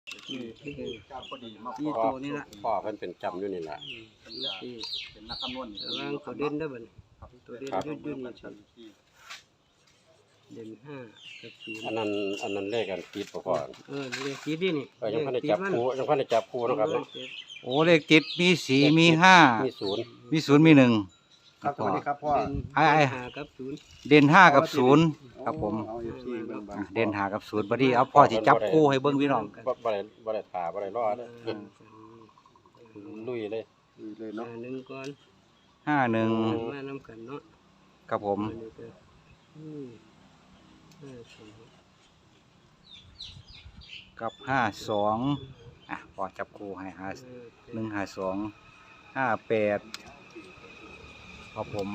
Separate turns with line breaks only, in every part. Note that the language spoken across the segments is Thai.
พอดีมา
นี่ตัวนี้ละ
พ่อเพิ่นเป็นจำอยู่นี่แหละ
เป็นนักคำนวณ
วางตัวเด่นได้บ่นี่ตัวเด่น
ครับ
ยืดนี่เด่น5กับ0
อันนั้นเลขกันติดบ่พ่อ
เลขติดนี่นี่
ยังพันได้จับคู่ยังพันได้จับคู่เนาะครับเนาะ
โอ้เลขติดมีสี่มีห้า
มีศูนย์
มีศูนย์มีหนึ่ง
ครับสวัสดีครับพ่อ
5กับ0
เด่นห้ากับศูนย์ครับผม
เอาอยู่ที่เบิ่งบาง
เด่นห้ากับศูนย์บัดนี้เอาพ่อสิจับคู่ให้เบิ่งพี่น้อง
บ่ได้ถาบ่ได้รอดลุยเลย
เลยเนาะ
หนึ่งก่อน
51
มานำกันเนาะ
ครับผม กับ52พ่อจับคู่ให้152 58ครับผม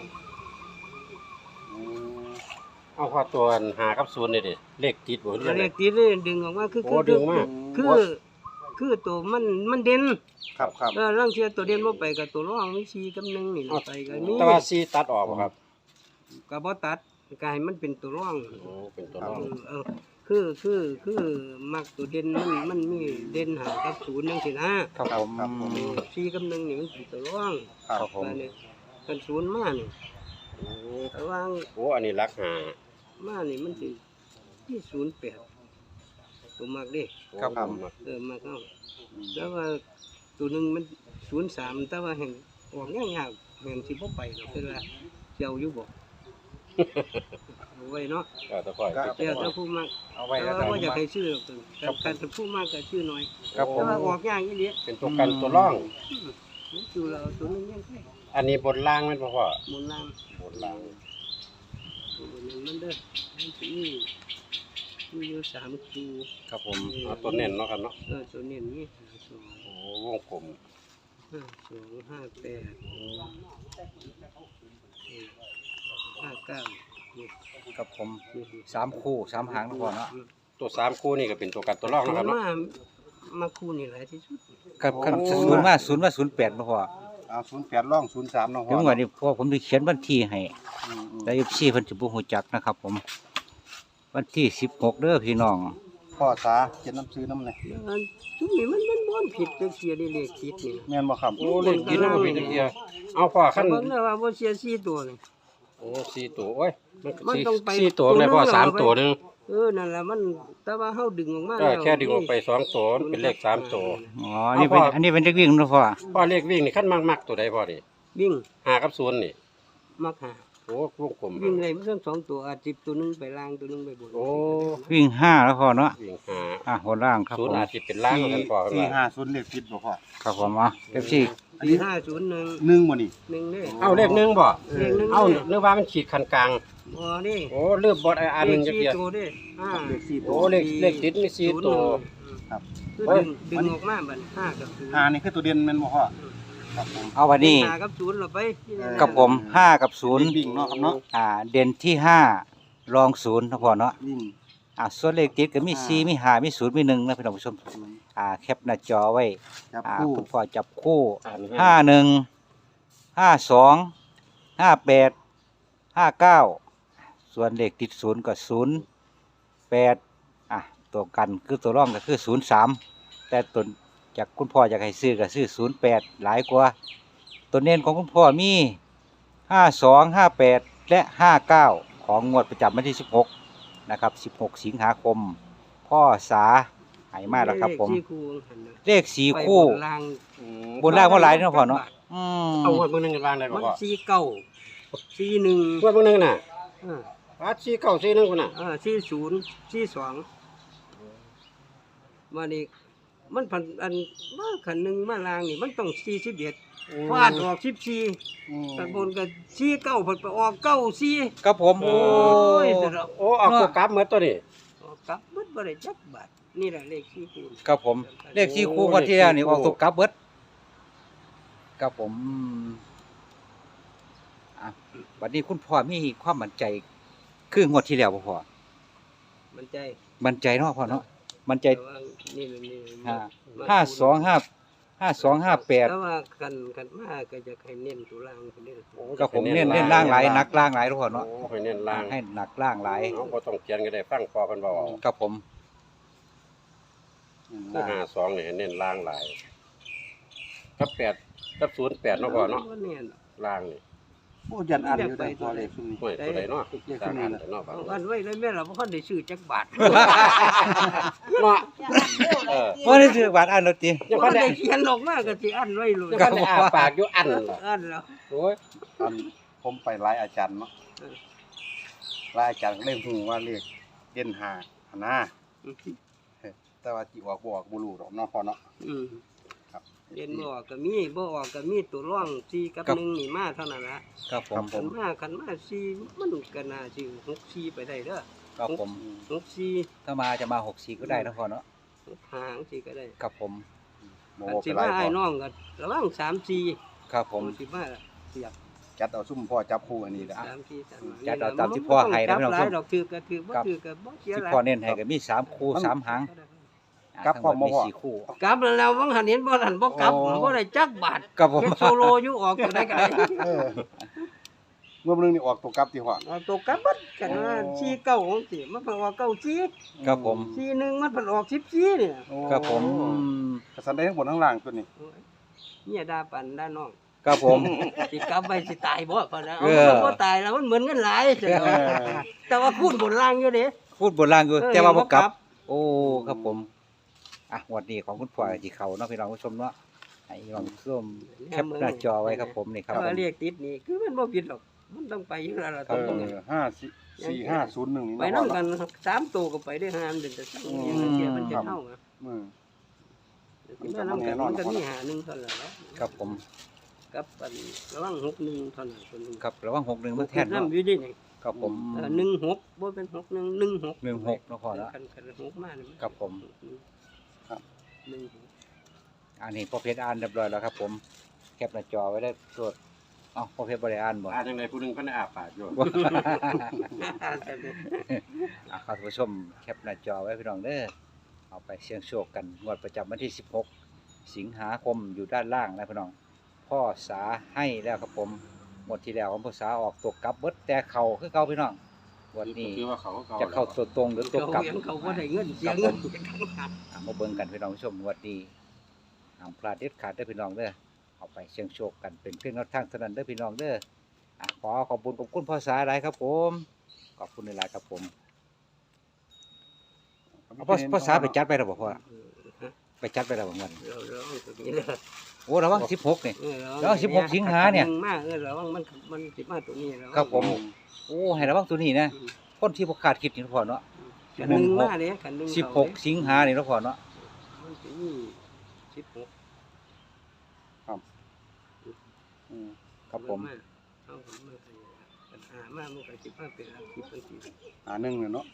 เอาข้อตัวหากับศูนย์นี่ดิเลขติดบ่เรียก
เลขติดนี่ดึงออกมาคือ
โอ้ดึงมา
คือตัวมันเด่น
ครับครับ
ร่างเทียตัวเด่นบ่ไปกับตัวรองมี4กับ1นี่ไปกันนี่
แต่ว่าซีตัดออกบ่ครับ
ก็บ่ตัดก็ให้มันเป็นตัวรอง
โอ้เป็นตัวรอง
คือมักตัวเด่นมันมีเด่นหากับ0จังซี่นะครับ
ผม
4กับ1นี่มันเป็นตัวรอง
ครับผม
นี่กัน0มานี่
โอ้
ระวัง
โหอันนี้รักหา
มานี่มันสิที่08ตัวมักเด้
ครับผม
มักเอาแต่ว่าตัวหนึงมัน03แต่ว่าแห่งออกยากๆแม่นสิบ่ไปดอกคือว่าเจ้าอยู่บ่เอาไว้เนาะ
ก็ตะค่อย
เจ้าถ้าผู้มัก
เอาไว้
แต่
แล้ว
ว่า
กัน
บ่อยากให้ชื่อกับการผู้มากก็ชื่อน้อย
ครับผ
แต่
ม
ว่าออกยากอีหลี
เป็นตัวกันตัวร่อง
อยู่เราตัวนึงยังไง
อันนี้บนล่างแม่นบ่พ่อ
หมุนล่าง
บนล่าง
ตัวนึงมันเด้อมันสิมีอยู่3คู่
ครับผมเอาตัวเน้นเนาะครับเนาะ
ตัวนี้นี่
โอ้วงกลม
2 5 8 5 9นี่
ครับผม3คู่3หางนะพ่อเนาะ
ตัวสามคู่นี่ก็เป็นตัวกันตัวร่องนะครับเนาะ
มาคู่นี่หลายที่สุด
ครับครับ008บ่พ่อ
เอา08ร่อง03เนาะพ่
ถึ
อง
ว่านี่พ่อผมสิเขียนวันที่ให้แต่ FC เพิ่นสิบ่ฮู้จักนะครับผมวันที่16เด้อพี่น้อง
พ่อสาเขียนน้ำซื้อน้ำเลย
ทุกนี้มันบ่ผิดจังเสียได้เลขติดนี่
แม่นบ่ครับ
โอ้เลขกินน้ำมันเป็นจังซี่เอาพ่อขั้น
เบิ่งแล้วว่าบ่เสีย4ตัวนี่
โอ้สี่ตัวโอ้ยมัน
มันต้องไป
สี่ตัวเลยพ่อ
ตัวหนึ่ง
สาม
เอาไว้
ตัวหนึง
นั่นแหละมันแต่ว่าเฮาดึงออกมา
แค่ดึงออกไปสองตัวมันเป็นเลขสามตัว
อ๋อนี่เป็นอันนี้เป็นเลขวิ่งนะพ่อ
พ่อเลขวิ่งนี่ขั้นมักตัวใดพ่อดิ
วิ่ง
หากับศูนย์นี่
มักหา
โอ้วงกลม
วิ่งได้มันทั้งสองตัวอาจสิบตัวหนึงไปล่างตัวหนึงไปบน
โอ้
วิ่ง5แล้วพ่อเนาะ
วิ่งหา
หัวล่างครับ
ศูน
ผ
ย์
ม
อาจจะเป็นล่างกันพ่อกันว่า
450เลขผิดบ่พ่อ
ครับผมFC
อันนี้
501
1บ่นี่
1นี่
เอาเลขหนึ่งบ่
เลขหนึ่ง
เอาเนื้อว่ามันขีดคันกลาง
บ่นี่
โอ้เลือบบดอันหนึงจัก
เล
เดี
ข
ยว
4ตัวเด้5
เลข4ตั
โอ้
ว
เลขติดมีสี่ตัว
ครับ
คือดึงออกมาบัด5กับ0
นี่คือตัวเด่นแม่นบ่พ่อครับผม
เอาวันนี้
5กับ0เราไป
กับผม5กับ
วิ่งเนาะครับเนาะ
0เด่นที่5รอง0นะพ่อเนาะ
วิ่ง
ส่วนเลขติดก็มี4มี5มี0มี1นะพี่น้องผู้ชมแคปหน้าจอไว้
จับคู่
คุณพ่อจับคู่
ห้า
51 52 58 59ส่วนเลขติด0ก็08ตัวกันคือตัวรองก็คือ03แต่ตัวจากคุณพ่ออยากให้ซื้อก็ซื้อ08หลายกว่าตัวเน้นของคุณพ่อมี52 58และ59ของงวดประจำวันที่16นะครับ16สิงหาคมพ่อสาให้มาแล้วครับผม เลข4คู่ บนล่างว่าหลายเนาะพ่อเนาะ
เอางวดเบิ่งหนึงกันวางได้บ่
มัน
พ่อ
49 41
งวดเบิ่งหนึงน่ะ
อ่า
วัด4 9 4 1พุ่นน่ะ
40 42มานี่มันพันอันว่าขันหนึ่งมาลางนี่มันต้อง41ฟาดออก14ตะบนก็49เพิ่นไปออก94
ครับผม
โอ้
โอ้ย
โอ้เอาตัวกลับหมดตัวนี้
ออกกลับเบิดบ่ได้จักบาทนี่แหละเลข4คูณ
ครับผม เลข4คู่งวดที่แล้วนี่ออกตกกลับเบิดครับผมวันนี้คุณพ่อมีความมั่นใจคืองวดที่แล้วบ่พ่อ
มันใจ
มั่นใจเนาะพ่อเนาะมั่นใจ
แต่ว่านี่มันนี่
5258
แต่ว่ากันมาก็จะให้เน้นตัวล่างเพิ่นเด้อ
ครับผมเน้นล่างหลายหนักล่างหลายทุกคนเนาะ
โอ้ให้เน้นล่าง
ให้หนักล่างหลาย
เอาบ่ต้องเขียนก็ได้ฟังพอเพิ่นเว้าเอา
ครับผม
คือ52นี่ให้เน้นล่างหลายกับ8กับ08เนาะพ่อเนาะ
บ่แน่น
ล่างนี่
โอ้ยันอันอยู่ได้พอเลขซุมนี้
โอ้ยตัวใดเนาะสร้างอันแต่เนาะบาง
เอาอันไว้เลยแม่เราบ่ทันได้ซื้อจักบาท
เนาะเออ
บ่ได้ซื้อบาทอันรถติ
ยัง
บ่
พันได้
ได้เขียนออกมาก็สิอันไว้เลย
ยังพันได้อ้าปากอยู่อันล่ะ
อันแล้ว
โอ้ย
อันผมไปหลายอาจารย์เนาะหลายอาจารย์ก็เลยฮู้ว่าเลขเด่น5หั่นนะแต่ว่าสิออกบ่ออกบ่รู้ดอกเนาะพ่อเนาะ
อืม
ครับ
เรียนบ่ออกก็มีบ่ออกก็มีตัวร่อง4กับ1นี่มาเท่านั้นละ
ครับผม
คันมา4มันก็น่าสิ6 4ไปได้เด้อ
ครับผม
6 4
ถ้ามาจะมา64ก็ได้นะพ่อเนาะ
6 5สิก็ได้
ครับผม
บ่
คัน
ว่า
สิ
ไปหลา
มาย
พ
อ้าย
อ
น้องก็ระวัง3 4
ครับผม
สิมาเสียบ
จัดเอาซุ่มพ่อจับคู่อันนี้ละ
3 4 3
จัดเอาตามที่พ่อให้นะพี่น้อง
หลายดอกถือก็ถือบ่ถือก็บ่เสีย
ที่
หลาย
พ่อเน้นให้ก็มี3คู่3หาง
กลับพร้อมบ่
มี
พ่อ
4คู่
กลับแล้ววังหันเห็นบ่ทันบ่กลับ
อ๋อ
บ่ได้จักบาท
ครับผม
เป็นโซโลอยู่ออกจังได๋ก็ได้
เออเมื่อนึงนี่ออกตัวกลับที่พ่อ
เอาตัวกลับบัดกันว่า49ของสิมันเพิ่นออก94
ครับผม
41มันเพิ่นออก14เนี่ย
โอ้
ครับผม
กระสันได้ทั้งบนทั้งล่างตัวนี้
โอ้ยเนี่ยด่าปันด่าน้อง
ครับผม
สิกลับไปสิตายบ่ปานนั้น
เอ
เอา
อ
มันบ่ตายแล้วมันเหมือนเงินหลายเสีย
เออ
แต่ว่าพูดบนล่างอยู่เด้
พูดโบราณอยู่
เออ
แต่ว่าบ่กลั
บ่กลั
บบ โอ้ครับผมอ่ะงวดนี้ของคุณพ่อที่เขาเนาะพี่น้องผู้ชมเนาะให้พี่น้องผู้ชมแคปหน้าจอไว้ครับผมนี่ครับผ
ว่าม เรียกติดนี่คือมันบ่ผิดหรอกมันต้องไปอยู่แล้วล่ะ
เอ
ต้อง
อ
เงิน
54501นี่
ไป
เนาะ
นำกัน3ตัวก็ไปได้5มันจะสั่งเดียวมันจะเท่าอ่ะ
มือ
มันก็นำกันมันก็มี51เท่านั้นแหละ
ครับผม
กับอันระวัง61เท่านั้นคนนึง
ครับระวัง61มาแทน
นำ
เนาะ
อยู่ดินี่
ครับผม
16บ่เป็น61 16
16เนาะพ่อเนาะ
คัน6มานี่
ครับผม
ครับ
16
อันนี้พ่อเพชรอ่านเรียบร้อยแล้วครับผมแคปหน้าจอไว้ได้ตรวจเอ้าพ่อเพชรบ่ได้อ่านบ่
อ่าจังไดผู้หนึงเพิ่นได้อ้าปากอยู่
อ่ะครับท่านผู้ชมแคปหน้าจอไว้พี่น้องเด้อเอาไปเสี่ยงโชคกันงวดประจำวันที่16สิงหาคมอยู่ด้านล่างนะพี่น้องพ่อสาให้แล้วครับผมงวดที่แล้วของพ่อสาออกตัวกลับเบิดแต่เข่าคือเก่าพี่น้องงวันนี้
คือว่าเขาก็
จะเข้าตัวตรงหรือตัวกลับ
เขาบ่ได้เงินเสียเงิน
มาเบิ่งกันพี่น้องผู้ชมงวดนี้ห้ามพลาดเด็ดขาดเด้อพี่น้องเด้อเอาไปเสี่ยงโชคกันเป็นเพียงแนวทางเท่านั้นเด้อพี่น้องเด้ออ่ะขอขอบคุณพ่อสาหลายครับผมขอบคุณหลายๆครับผมเอาพ่อสาไปจัดไปแล้วบ่พ่อไปจัดไปแล้วบ่งั้น
เราตัวนี้เลย
โอ้ระวัง16นี่ แล้ว16สิงหาเนี่ย
มากระวังมันสิมาตัวนี้แล้ว
ครับผม โอ้ให้ระวังตัวนี้นะคนที่บ่คาดคิดนี่พ่อเนาะ
ขันหนึ่งมาเลยขันหนึ่ง
16สิงหานี่เนาะพ่อเนาะ
มันสิมี16
อืม
ครับผม
เอาผมมาให้ปัญหามามันก็สิมาเป็นอาชีพจังซี่
1เนี่ยเนาะ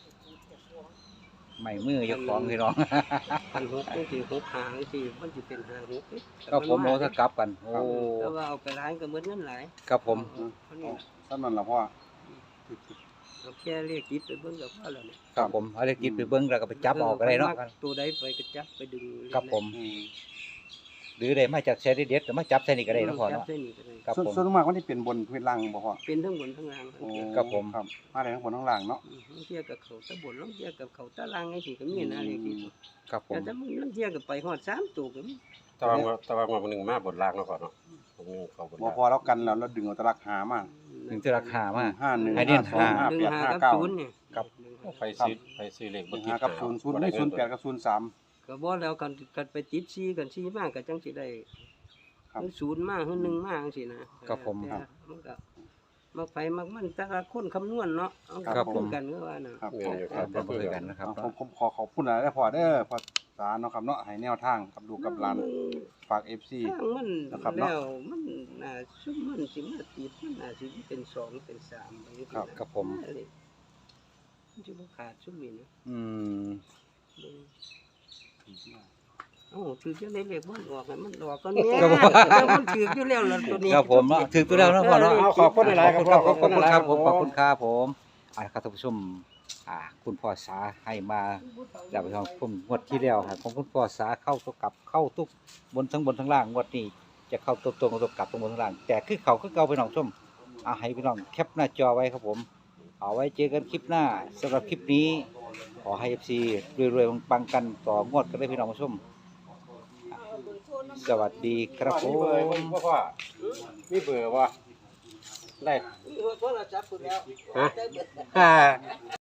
ใหม่มือเจ้าของพี่น้อง
คัน6จังซี่6หางจังซี่มันสิเป็น5 6เด้
ครับผมโอ้ถ้ากลับกัน โอ้
แต่ว่าเอาไปร้านก็เหมือนเงินหลาย
ครับผม
เท่านี้
ซ้ำนั่นล่ะพ่อ
เอาแค่เลขติดไปเบิ่งก็พอแล้วนี่
ครับผมเอาเลขกินไปเบิ่งแล้วก็ไปจับออกก็ได้เนาะ
ตัวใดไปก็จับไปดึง
ครับผม
อืม
หรือได้มาจากแชร์เด็ดๆก็มาจับใส่นี่ก็ได้เนาะพ่อ
จับ
เนาะ
เส้นนี้ก็ได้
ครับผม
ส่วนมากมันสิเป็นบนพื้นล่างบ่พ่อ
เป็นทั้งบนทั้งล่าง
โอ้
ครับผม
ครับมาได้ทั้งบนทั้งล่างเนาะ
ลางเทียกับเขาตะบนลางเทียกับเขาตะล่างไงสิก็มีนะเลขที่
ครับผม
แต่ถ้ามึงลางเทียกับไปฮอด3ตัวก็มี
ตะวันมื้อนึงมาบนล่างเนาะพ่อเนาะผมนึงเข้าบน
บ่
ล่าง
พอแล้วกันแล้วดึงเอาตะลักหามา
ถึงจะราคามา
51
ให้เน้น
52
หา
1 5กับ 0นี่
ครับ
ไปซื้อเลขบ่
51
ติด
5กับ0 0มี08กับ03
ก็บ่แล้วกันไปติด4กัน4มาก็จังสิได้
ครับ
คือ0มาคือ1มาจังซี่นะครับ
ผม
แต่มันก็มักไปมักมันแต่ละคนคำนวณเนาะเอา
ครับผม
กันก็ว่าน่ะ
ครับ
เงินอยู่ครับ
เป็นบ่คือกันนะครับ
ผมขอขอบคุณหลายๆพ่อเด้อพ่อสาเนาะครับเนาะให้แนวทางกับลูกกับหลานฝาก FC
ทางมัน
นะครับเนาะ
แล้วมันน่าซุมมันสิมาติดมันน่าสิเป็น2เป็น3ไปจังซี่
ครับ
นะ
ครับผม
มันจะบ่ขาดซุมนี้นะ
อืม
เอ้าถือจังได๋เลขบ่ออกให้มันออกก่อนแม่
ครับผม
แต่มันถืออยู่แล้วล่ะตัวนี้
ครับผมเนาะถึงตัวแล้วเนาะพ่อเนาะ
เอาขอบคุณหลายๆครับพ่อ
ขอบคุณครับผมขอบคุณครับผมอ่าครับท่านผู้ชมคุณพ่อสาให้มาแล้วไปทางผมงวดที่แล้วครับของคุณพ่อสาเข้าตัวกลับเข้าทุกบนทั้งล่างงวดนี้จะเข้าตัวตรงตัวกลับตรงบนทั้งล่าง แต่คือเขาคือเก่าไปน้องชมให้พี่น้องแคปหน้าจอไว้ครับผมเอาไว้เจอกันคลิปหน้าสำหรับคลิปนี้ขอให้ FC รวยๆปังๆกันต่องวดกันได้พี่น้องผู้ชมสวัสดีครับผ
มีเบอร์
ม
บ่พ่อมีเบอร์บ่ได้
โทรศัพท์คุณแล้ว
ฮะ